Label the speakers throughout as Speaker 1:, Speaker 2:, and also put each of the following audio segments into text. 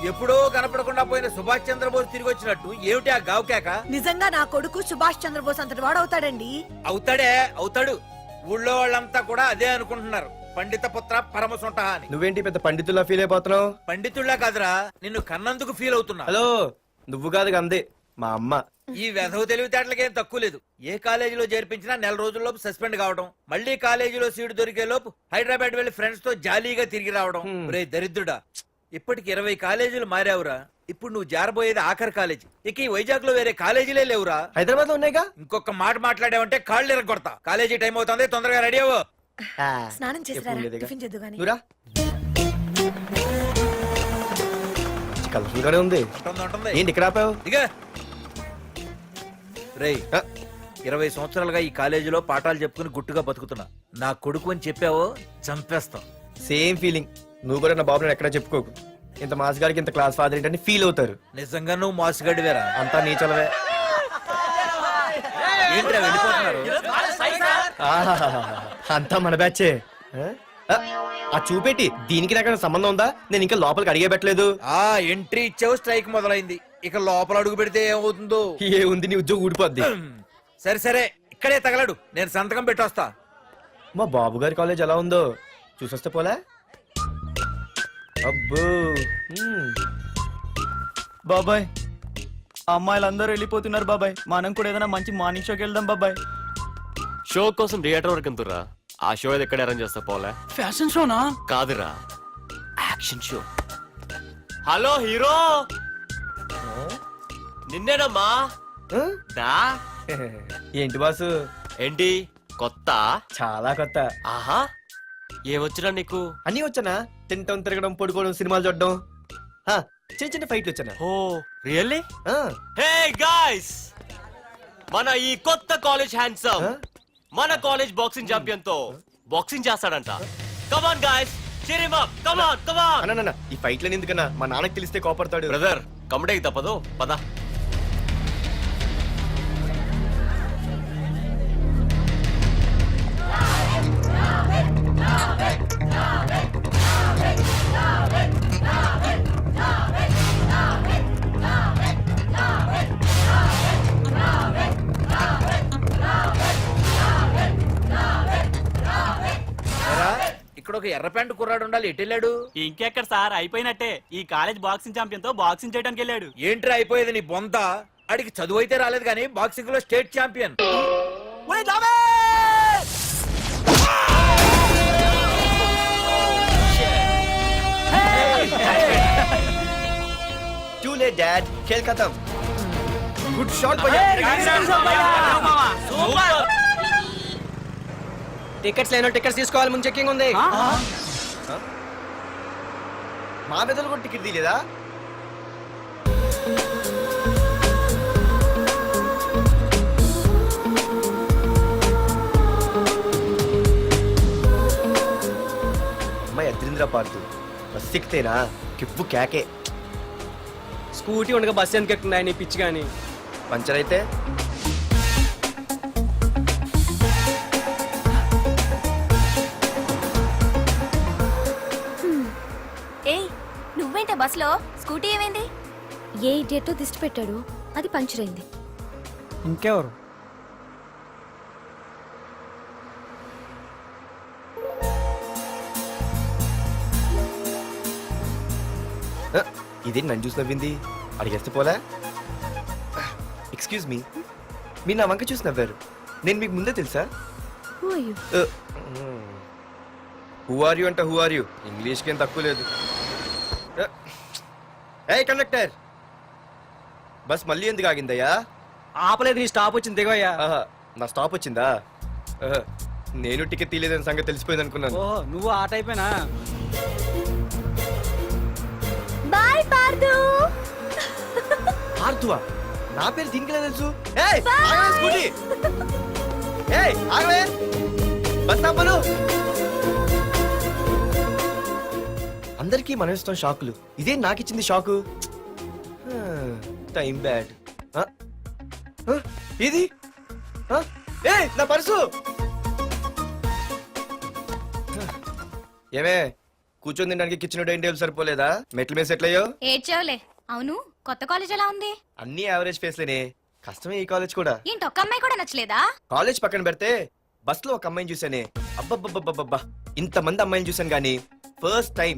Speaker 1: ఎప్పుడో కనపడకుండా పోయిన సుభాష్ చంద్రబోస్ తిరిగి వచ్చినట్టు ఏమిటి ఆ గావుకేక?
Speaker 2: నిజంగా నా కొడుకు సుభాష్ చంద్రబోస్ అంతటి వాడు అవుతాడండి.
Speaker 1: అవుతాడు. ఊళ్ళో వాళ్ళంతా కూడా అదే అనుకుంటున్నారు, పండిత పుత్ర పరమసుంట అని.
Speaker 3: నువ్వేంటి పెద్ద పండితుల్లా ఫీల్ అయిపోతున్నావు?
Speaker 1: పండితుళ్ళ కాదురా, నిన్ను కన్నందుకు ఫీల్ అవుతున్నా.
Speaker 3: హలో, నువ్వు కాదు అందే మా అమ్మ.
Speaker 1: ఈ వెధవ తెలివితేటలకేం తక్కువ లేదు. ఏ కాలేజీలో చేర్పించినా నెల రోజుల్లోపు సస్పెండ్ కావడం, మళ్ళీ కాలేజీలో సీటు దొరికే లోపు హైదరాబాద్ వెళ్లి ఫ్రెండ్స్ తో జాలీగా తిరిగి రావడం. రే దరిద్రుడా, ఇప్పటికి 20 కాలేజీలు మారావురా. ఇప్పుడు నువ్వు జారబోయేది ఆఖరి కాలేజీ. ఇక ఈ వైజాగ్ లో వేరే కాలేజీలే లేవురా.
Speaker 3: హైదరాబాద్ లో ఉన్నాయిగా.
Speaker 1: ఇంకొక మాట మాట్లాడావంటే కాళ్ళు ఎరగొడతా. కాలేజీ టైం అవుతుంది, తొందరగా రెడీ అవ్వు.
Speaker 2: స్నానం చేసి టిఫిన్ చేద్దు గాని.
Speaker 3: కలర్ఫుల్ గానే ఉంది. ఏంటి ఇక్కడ ఆపావు?
Speaker 1: దిగా. రేయ్, 20 సంవత్సరాలుగా ఈ కాలేజీలో పాఠాలు చెప్పుకుని గుట్టుగా బతుకుతున్నా. నా కొడుకు అని చెప్పావో చంపేస్తాం.
Speaker 3: Same feeling. నువ్వు కూడా నా బాబు ఎక్కడా చెప్పుకోకు. ఇంత మాస్ గారికి ఇంత క్లాస్ ఫాదర్ ఏంటని ఫీల్ అవుతారు.
Speaker 1: నిజంగా నువ్వు మోసగాడివేరా.
Speaker 3: అంతా నీ చలవే.
Speaker 1: ఏంట్రా వెళ్ళిపోతున్నారు?
Speaker 3: అంతా మన బ్యాచే. ఆ చూపెట్టి దీనికి నాకు సంబంధం ఉందా? నేను ఇంకా లోపలికి అడిగే పెట్టలేదు.
Speaker 1: ఎంట్రీ ఇచ్చావు, స్ట్రైక్ మొదలైంది. ఇక లోపల అడుగు పెడితే ఏమవుతుందో.
Speaker 3: ఏ ఉంది, నీ ఉద్యోగం ఊడిపోద్ది.
Speaker 1: సరే ఇక్కడే తగలడు, నేను సంతకం పెట్టొస్తా.
Speaker 3: మా బాబు గారి కాలేజ్ ఎలా ఉందో చూసొస్తే పోలే. అబ్బో
Speaker 4: బాబాయ్, అమ్మాయిలందరూ వెళ్ళిపోతున్నారు బాబాయ్. మనం కూడా ఏదైనా మంచి మార్నింగ్ షోకి వెళ్దాం బాబాయ్.
Speaker 5: షో కోసం థియేటర్ వరకు ఎంతురా? ఆ షో ఏది ఎక్కడ అరేంజ్ చేస్తా పోలే?
Speaker 4: Fashion show?
Speaker 5: కాదురా, యాక్షన్ షో. హలో హీరో, నిన్నేనమ్మా. దా.
Speaker 3: ఏంటి బాసు?
Speaker 5: ఏంటి కొత్త?
Speaker 3: చాలా కొత్త.
Speaker 5: ఆహా, ఏమొచ్చినా నీకు?
Speaker 3: అన్నీ వచ్చానా? తింటం, తిరగడం, పడుకోవడం, సినిమాలు చూడడం, చిన్న చిన్న ఫైట్లు వచ్చానా?
Speaker 5: ఓ రియల్లీ? హే గాయ్స్, మన ఈ కొత్త కాలేజ్ హ్యాండ్సమ్ మన కాలేజ్ బాక్సింగ్ ఛాంపియన్ తో బాక్సింగ్ చేస్తాడంట. Come on guys, cheer him up. Come on.
Speaker 3: అన్న, ఈ ఫైట్లని ఎందుకన్నా? మా నాన్నకి తెలిస్తే కోపడతాడు.
Speaker 5: బ్రదర్, కమడేకి తప్పదు, పద.
Speaker 1: ఇక్కడ ఒక ఎర్ర ప్యాంటు కుర్రాడు ఉండాలి, ఎటు వెళ్ళాడు?
Speaker 4: ఇంకెక్కడ సార్, అయిపోయినట్టే. ఈ కాలేజ్ బాక్సింగ్ ఛాంపియన్ తో బాక్సింగ్ చేయడానికి వెళ్ళాడు.
Speaker 1: ఏంట్రా అయిపోయేది నీ బొంత? అడిగి చదువు అయితే రాలేదు కానీ బాక్సింగ్ లో state champion.
Speaker 3: Too late, Dad. खेल खत्म. Good shot, भैया. టికెట్స్ లేనో టికెట్స్ తీసుకోవాలి, ముందు చెక్కింగ్ ఉంది. మా పెద్దలు కూడా టికెట్ తీయలేదా? అమ్మాయి అద్రింద్ర పార్తు బస్ ఎక్కితేనా కిప్పు కేకే.
Speaker 4: స్కూటీ ఉండగా బస్సు ఎందుకు ఎక్కుతున్నాయి నీ పిచ్చి గాని?
Speaker 3: పంచర్ అయితే
Speaker 6: నువ్వేంటే బస్సులో? స్కూటీ ఏమైంది?
Speaker 7: ఏ ఇడియట్ దిష్టి పెట్టాడు, అది పంచర్ అయింది.
Speaker 4: ఇంకెవరు?
Speaker 3: ఇదేంటి నన్ను చూసి నవ్వింది? అడిగేస్తే పోలే. ఎక్స్క్యూజ్ మీ, మీరు నా వంక చూసి నవ్వారు. నేను మీకు ముందే తెలుసా? హూ ఆర్ యూ అంటే హూ ఆర్ యూ? ఇంగ్లీష్కి ఏం తక్కువ లేదు. ఏ కండక్టర్, బస్ మళ్ళీ ఎందుకు ఆగిందయ్యా?
Speaker 4: ఆపలేదు, నీ స్టాప్ వచ్చింది, దిగవయ్యా.
Speaker 3: నా స్టాప్ వచ్చిందా? నేను టికెట్ తీయలేదని సంగతి తెలిసిపోయింది అనుకున్నాను.
Speaker 4: ఓహో, నువ్వు ఆ టైపేనా?
Speaker 7: బాయ్ పార్దు.
Speaker 3: పార్థువా? నా పేరు దీనికిలా తెలుసు? ఏయ్ ఆగవే స్కూటీ. ఏయ్ ఆగవే, బస్ ఆపను. అందరికీ మనం ఇస్తాం షాకులు, ఇదే నాకు ఇచ్చింది షాకు. Time bad. ఇది నా పర్సు. ఏమే కూర్చొని తినడానికి కిచెన్ డైనింగ్ టేబుల్ సరిపోలేదా మెట్ల మీద సెట్ అయ్యో
Speaker 6: ఏడ్చావులే. అవును, కొత్త కాలేజ్ ఎలా ఉంది?
Speaker 3: అన్ని యావరేజ్ ఫేస్లేనే. కష్టమే ఈ కాలేజ్ కూడా.
Speaker 6: ఏంటి, ఒక్క అమ్మాయి కూడా నచ్చలేదా?
Speaker 3: కాలేజ్ పక్కన పెడితే బస్ లో ఒక అమ్మాయిని చూసానే, అబ్బబ్బబ్బబ్బబ్బా ఇంతమంది అమ్మాయిని చూసాను గానీ ఫస్ట్ టైం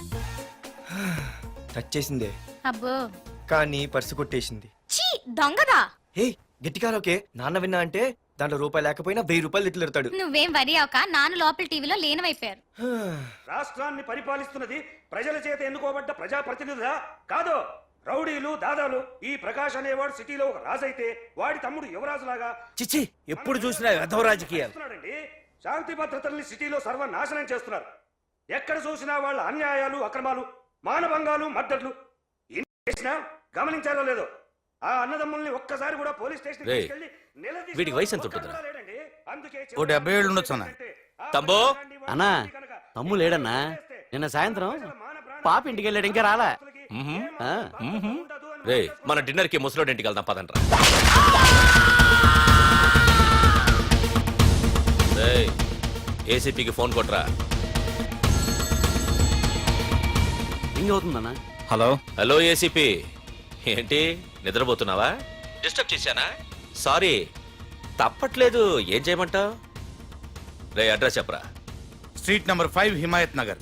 Speaker 3: టచ్ చేసిందే,
Speaker 6: అబ్బో,
Speaker 3: కానీ పర్సు కొట్టేసింది.
Speaker 6: చీ దొంగదా.
Speaker 3: హే గట్టిగా ఓకే, నాన్న విన్నా అంటే దాంట్లో రూపాయి లేకపోయినా 1000 రూపాయలు తిట్లు
Speaker 6: నువ్వేం వరి అవక, నాన్న లోపల టీవీలో లేనవైపోయారు.
Speaker 8: రాష్ట్రాన్ని పరిపాలిస్తున్నది ప్రజల చేత ఎన్నుకోబడ్డ ప్రజాప్రతినిధులా కాదు, రౌడీలు దాదాలు. ఈ ప్రకాష్ అనేవాడు సిటీలో ఒక రాజైతే వాడి తమ్ముడు యువరాజులాగా
Speaker 1: చిచ్చి ఎప్పుడు చూసినా వెధవ రాజకీయాలు.
Speaker 8: చేస్తున్నాడండి. శాంతి భద్రతల్ని సిటీలో సర్వనాశనం చేస్తున్నారు. ఎక్కడ చూసినా వాళ్ళ అన్యాయాలు, అక్రమాలు, మానభంగాలు, మద్దతులు. ఇన్ని చేసినా గమనించారో లేదో, ఆ అన్నదమ్ముల్ని ఒక్కసారి కూడా పోలీస్ స్టేషన్
Speaker 5: రేయ్,
Speaker 8: తీసుకెళ్లి నిలదీసిన
Speaker 5: వీడికి వయసు ఎంత
Speaker 8: ఒక్కడు
Speaker 5: ఉంటుందిరా?
Speaker 8: కూడా లేడండి. అందుకే
Speaker 9: ఓ 70 ఏళ్ళు ఉండొచ్చు అన్న.
Speaker 5: తమ్ముడు?
Speaker 9: అన్నా, తమ్ము లేడన్నా. నిన్న సాయంత్రం పాప ఇంటికి వెళ్ళాడు, ఇంకా రాలా. ఆ,
Speaker 5: రే, మన డిన్నర్ కి ముసలోడి ఇంటికి వెళ్దాం పదండ్రా. రేయ్, ఏసీపీకి ఫోన్ కొట్రా.
Speaker 9: రింగ్ అవుతుందన్నా. హలో.
Speaker 5: హలో ఏసీపీ, ఏంటి నిద్రపోతున్నావా? డిస్టర్బ్ చేశానా? సారీ, తప్పట్లేదు. ఏం చేయమంటావు? రే అడ్రస్ చెప్పరా.
Speaker 9: Street number 5 Himayat Nagar.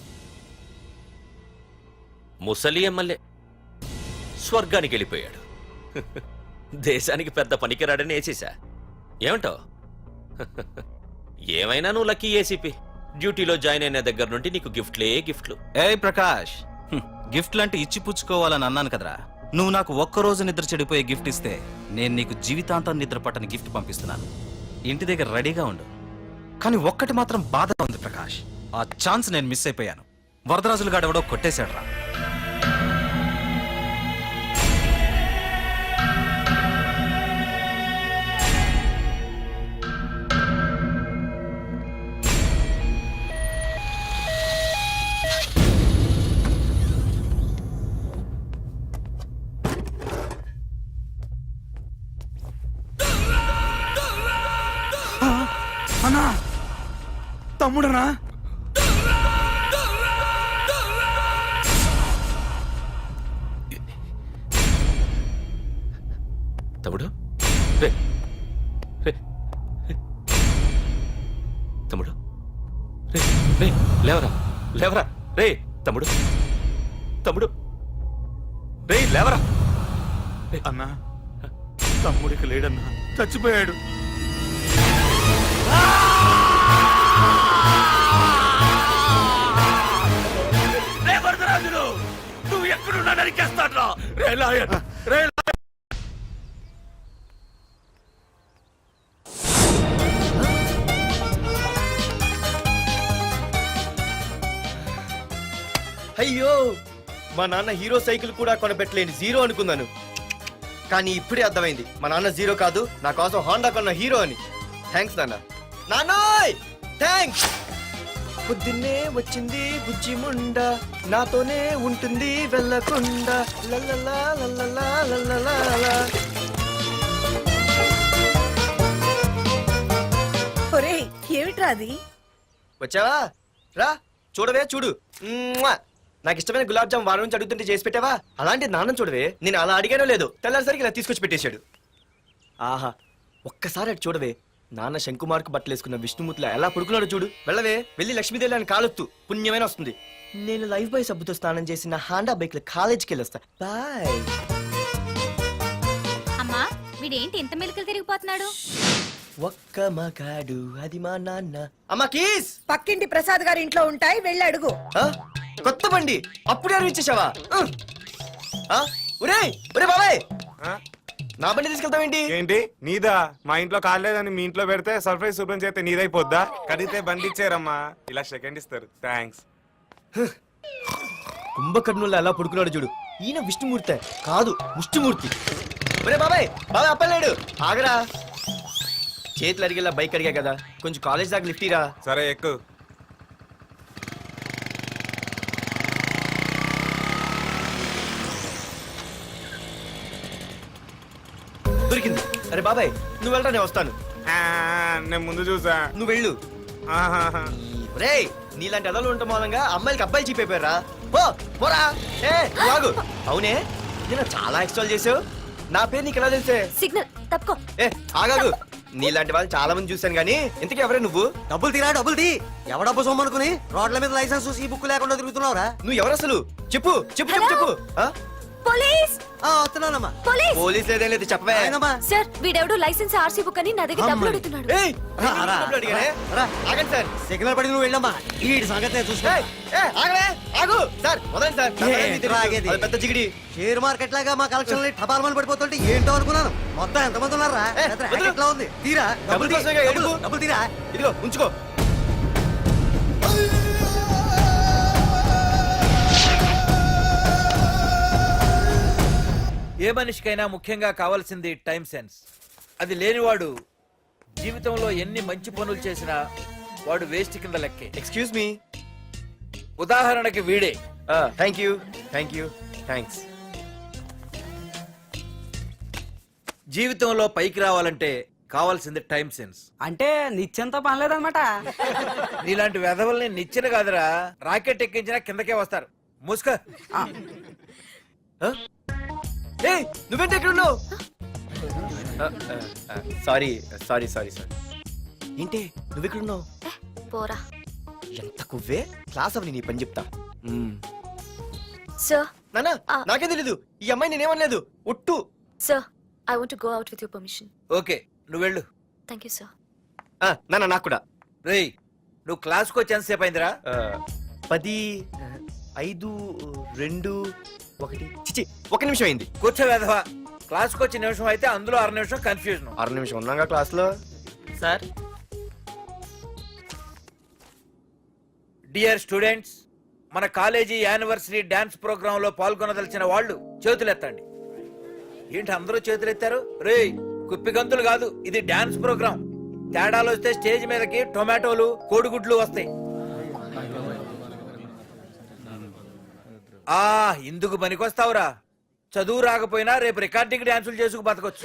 Speaker 5: ముసలి ఎమ్మెల్యే స్వర్గానికి వెళ్ళిపోయాడు. దేశానికి పెద్ద పనికిరాడని వేసేసా. ఏమంటావు? ఏమైనా నువ్వు లక్కీ ఏసీపీ. డ్యూటీలో జాయిన్ అయిన దగ్గర నుండి నీకు గిఫ్ట్లే గిఫ్ట్లు.
Speaker 10: ఏ ప్రకాష్, గిఫ్ట్లు అంటే ఇచ్చి పుచ్చుకోవాలని అన్నాను కదరా. నువ్వు నాకు ఒక్కరోజు నిద్ర చెడిపోయే గిఫ్ట్ ఇస్తే నేను నీకు జీవితాంతం నిద్ర పట్టని గిఫ్ట్ పంపిస్తున్నాను. ఇంటి దగ్గర రెడీగా ఉండు. కానీ ఒక్కటి మాత్రం బాధగా ఉంది ప్రకాష్, ఆ ఛాన్స్ నేను మిస్ అయిపోయాను. వరదరాజులు గాడెవడో కొట్టేశాడు రా.
Speaker 9: అన్నా, తమ్ముడనా?
Speaker 5: తమ్ముడు? రే రే రే. తమ్ముడు? రే రే, లేవరా లేవరా. రే తమ్ముడు, తమ్ముడు, రే లేవరా.
Speaker 9: అన్నా, తమ్ముడికి లేడన్నా, చచ్చిపోయాడు.
Speaker 5: రే వరదరాజులు, నువ్వు ఎక్కడున్నా నరికేస్తాడ్రా. రే లాయర్, రే
Speaker 3: అయ్యో, మా నాన్న హీరో సైకిల్ కూడా కొనపెట్టలేని జీరో అనుకున్నాను. కానీ ఇప్పుడే అర్థమైంది, మా నాన్న జీరో కాదు, నా కోసం హోండా కొన్న హీరో అని. థ్యాంక్స్ నాన్న. నాన్నోయ్ థ్యాంక్స్. పొద్దున్నే వచ్చింది బుజ్జి ముండ, నాతోనే ఉంటుంది వెళ్ళకుండా. లల్లలా లల్లలా లల్లలా.
Speaker 2: ఒరేయ్ ఏమిట్రా అది?
Speaker 3: వచ్చావా? రా చూడవే, చూడు. మ్మ్వా. నాకు ఇష్టమైన గులాబ్ జామ్ వారం నుంచి అడుగుతుంటే చేసి పెట్టావా? అలాంటి నాన్న చూడవే, నేను అలా అడిగానో లేదో తెల్లారిసరికి ఇలా తీసుకొచ్చి పెట్టేశాడు. ఆహా, ఒక్కసారి అటు చూడవే, నాన్న శంకుమార్కు బట్టలు వేసుకున్న విష్ణుమూర్తిలా ఎలా పడుకున్నాడో చూడు. వెళ్ళవే, వెళ్ళి లక్ష్మీదేవి అని కాలొత్తు, పుణ్యమైన వస్తుంది. నేను లైఫ్ బాయ్ సబ్బుతో స్నానం చేసి నా హాండా బైక్ లో కాలేజీకి వెళ్ళొస్తా. బాయ్.
Speaker 6: అమ్మా, వీడేంటి ఇంత మెలికలు తిరిగిపోతున్నాడు?
Speaker 3: ఒక్క మగాడు అది మా నాన్న. అమ్మా కీస్.
Speaker 2: పక్కింటి ప్రసాద్ గారి ఇంట్లో ఉంటాయి, వెళ్ళి అడుగు.
Speaker 3: ఆ? కొత్త బండి అప్పుడే ఇచ్చేసావా? ఒరే ఒరే బాబాయ్, నా బండి తీసుకెళ్తావేంటి?
Speaker 11: ఏంటి నీదా? మా ఇంట్లో కాలేదని మీ ఇంట్లో పెడితే సర్ప్రైజ్ శుభ్రం చేస్తే నీదైపోద్దా? కడిగితే బండి ఇచ్చారమ్మా, ఇలా సెకండ్ ఇస్తారు. థ్యాంక్స్.
Speaker 3: కుంభకర్ణుల్లో ఎలా పడుకున్నాడు చూడు. ఈయన విష్ణుమూర్తి కాదు, ముష్టిమూర్తి. ఒరే బాబాయ్, బాబాయ్ అప్పలేడు, ఆగరా. చేతులు అడిగేలా బైక్ అడిగా కదా, కొంచెం కాలేజ్ దాకా లిఫ్ట్ ఇరా.
Speaker 11: సరే ఎక్కు.
Speaker 3: దొరికింది. అరే బాబాయ్ నువ్వు వెళ్ళరా, నేను వస్తాను.
Speaker 11: నేను ముందు చూసా.
Speaker 3: నువ్వు వెళ్ళు.
Speaker 11: ఆహాహా.
Speaker 3: రేయ్ నీలాంటి ఎదలు ఉండటం మూలంగా అమ్మాయిలకి అబ్బాయిలు చీపైపోయారా పోరా ఏ నువ్వు ఆగు. అవునే నేను చాలా ఎక్స్ట్రాల్ చేసావు. నా పేరు నీకు ఎలా తెలిసే?
Speaker 7: సిగ్నల్ తప్పుకో.
Speaker 3: ఏ ఆగాగు. నీలాంటి వాళ్ళు చాలా మంది చూశాను కానీ ఇంతకీ ఎవరే నువ్వు?
Speaker 9: డబ్బులు తీరా డబ్బులు తీ. ఎవడబ్బు సొమ్మనుకుని రోడ్ల మీద లైసెన్స్ ఈ బుక్ లేకుండా తిరుగుతున్నావురా?
Speaker 3: నువ్వు ఎవరు అసలు? చెప్పు చెప్పు చెప్పు చెప్పు. ఆ?
Speaker 7: పోలీస్
Speaker 9: వస్తున్నానమ్మా.
Speaker 7: పోలీస్
Speaker 3: పోలీస్ లేదేం లేదు చెప్పవే.
Speaker 9: ఆయనమ్మా.
Speaker 7: సార్ వీడెవడో లైసెన్స్ ఆర్సీ బుక్ అని నా దగ్గర డబ్బులు అడుగుతున్నాడు.
Speaker 3: ఏయ్,
Speaker 9: రా, రా,
Speaker 3: డబ్బులు అడిగానే?
Speaker 9: రా.
Speaker 3: ఆగండి సార్.
Speaker 9: సిగ్నల్ పడి నువ్వు వెళ్ళమ్మా. ఈ సంగతి చూసుకో.
Speaker 3: ఏయ్, ఏయ్, ఆగలే, ఆగు. సార్ వదండి సార్. నా పని మీకు తెలుసు.
Speaker 9: ఆగేది.
Speaker 3: అది పెద్ద జిగిడి.
Speaker 9: షేర్ మార్కెట్ లాగా మా కలెక్షన్ టపాల్మని పడిపోతుంటే ఏంటో అనుకున్నాను. మొత్తం ఎంతమంది ఉన్నారా?
Speaker 3: ఏ,
Speaker 9: పెద్ద
Speaker 3: వదిలు.
Speaker 9: racket లా ఉంది. తీరా
Speaker 3: డబ్బులు
Speaker 9: తీ.
Speaker 3: కోసమేగా ఏడుపు.
Speaker 9: డబ్బులు తీరా.
Speaker 3: ఇదిగో ఉంచుకో.
Speaker 1: ఏ మనిషికైనా ముఖ్యంగా కావాల్సింది టైం సెన్స్. అది లేనివాడు జీవితంలో ఎన్ని మంచి పనులు చేసినా వాడు వేస్ట్ కింద లెక్కే.
Speaker 3: Excuse me.
Speaker 1: ఉదాహరణకి వీడే.
Speaker 3: Thank you thank you thanks.
Speaker 1: జీవితంలో పైకి రావాలంటే కావాల్సింది టైం సెన్స్.
Speaker 9: అంటే నిత్యంతో పనిలేదన్నమాట.
Speaker 1: నీలాంటి వెధవల్ని నిచ్చిన కాదురా, రాకెట్ ఎక్కించినా కిందకే వస్తారు. ముసుక.
Speaker 3: ఏయ్, నువ్వేంటి ఎక్కడ ఉన్నావు? Sorry sorry sorry sorry. ఏంటి నువ్వు ఎక్కడ ఉన్నావు?
Speaker 7: పోరా.
Speaker 3: ఎంత కువ్వే. క్లాస్ అవని నీ పని చెప్తా.
Speaker 7: సార్
Speaker 3: నానా నాకే తెలీదు. ఈ అమ్మాయి నేనేమనలేదు. ఒట్టు.
Speaker 7: Sir I want to go out with your permission.
Speaker 1: Okay నువ్వు వెళ్ళు.
Speaker 7: Thank you sir.
Speaker 3: నానా నాకు కూడా.
Speaker 1: రేయ్ నువ్వు క్లాస్కి వచ్చి ఎంతసేపు అయిందిరా?
Speaker 3: 10, 5, 2, 1 చిచి 1 నిమిషం అయింది.
Speaker 1: కూర్చో వెధవా. క్లాస్కి వచ్చి నిమిషం అయితే అందులో 6 నిమిషం కన్ఫ్యూజన్.
Speaker 3: 6 నిమిషం ఉన్నాగా క్లాస్ లో.
Speaker 9: సార్
Speaker 1: డియర్ స్టూడెంట్స్, మన కాలేజీ యానివర్సరీ డాన్స్ ప్రోగ్రామ్ లో పాల్గొనదలిచిన వాళ్ళు చేతులెత్తండి. ఏంటి అందరూ చేతులెత్తారు? రేయ్ కుప్పి గంతులు కాదు, ఇది డాన్స్ ప్రోగ్రామ్. తేడాలు వస్తే స్టేజ్ మీదకి టొమాటోలు కోడిగుడ్లు వస్తాయి. ఇందుకు పనికొస్తావురా. చదువు రాకపోయినా రేపు రికార్డింగ్ డాన్సులు చేసుకు బతకొచ్చు.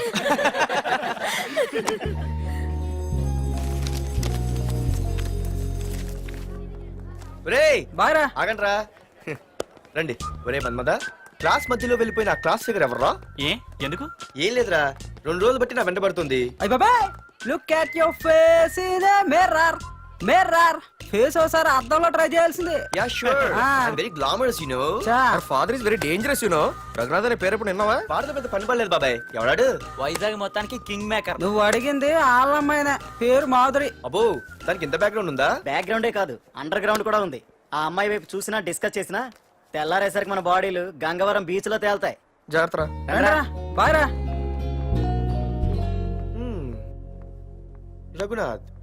Speaker 3: ఒరేయ్
Speaker 9: బాయ్రా.
Speaker 3: ఆగండ్రా. రండి. ఒరే మన్మద, క్లాస్ మధ్యలో వెళ్ళిపోయిన ఆ క్లాస్ ఫిగర్ ఎవర్రా?
Speaker 5: ఏ ఎందుకు?
Speaker 3: ఏం లేదురా, 2 రోజులు బట్టి నా వెంట పడుతుంది.
Speaker 9: అయ్ బాబాయ్, look at your face in a mirror. Mirror face ఒకసారి అద్దంలో ట్రై చేయాల్సింది.
Speaker 3: Yeah sure. I'm very glamorous you know.
Speaker 9: Our
Speaker 3: father is very dangerous you know. Raghunath అనే పేరు ఎప్పుడు విన్నావా? వాడితో పెద్ద పని పడలేదు బాబాయ్. ఎవడాడు?
Speaker 9: వైజాగ్ మొత్తానికి కింగ్ మేకర్. నువ్వు అడిగింది ఆళ్ళమ్మైన పేరు మాధురి.
Speaker 3: అబ్బో, దానికి ఇంత బ్యాక్గ్రౌండ్ ఉందా?
Speaker 9: బ్యాక్గ్రౌండే కాదు, అండర్ గ్రౌండ్ కూడా ఉంది. ఆ అమ్మాయి వైపు చూసినా డిస్కస్ చేసినా తెల్లారేసరికి మన బాడీలు గంగవరం బీచ్ లో తేల్తాయి.
Speaker 3: జాగ్రత్త.
Speaker 9: బాయ్ రా.
Speaker 3: రఘునాథ్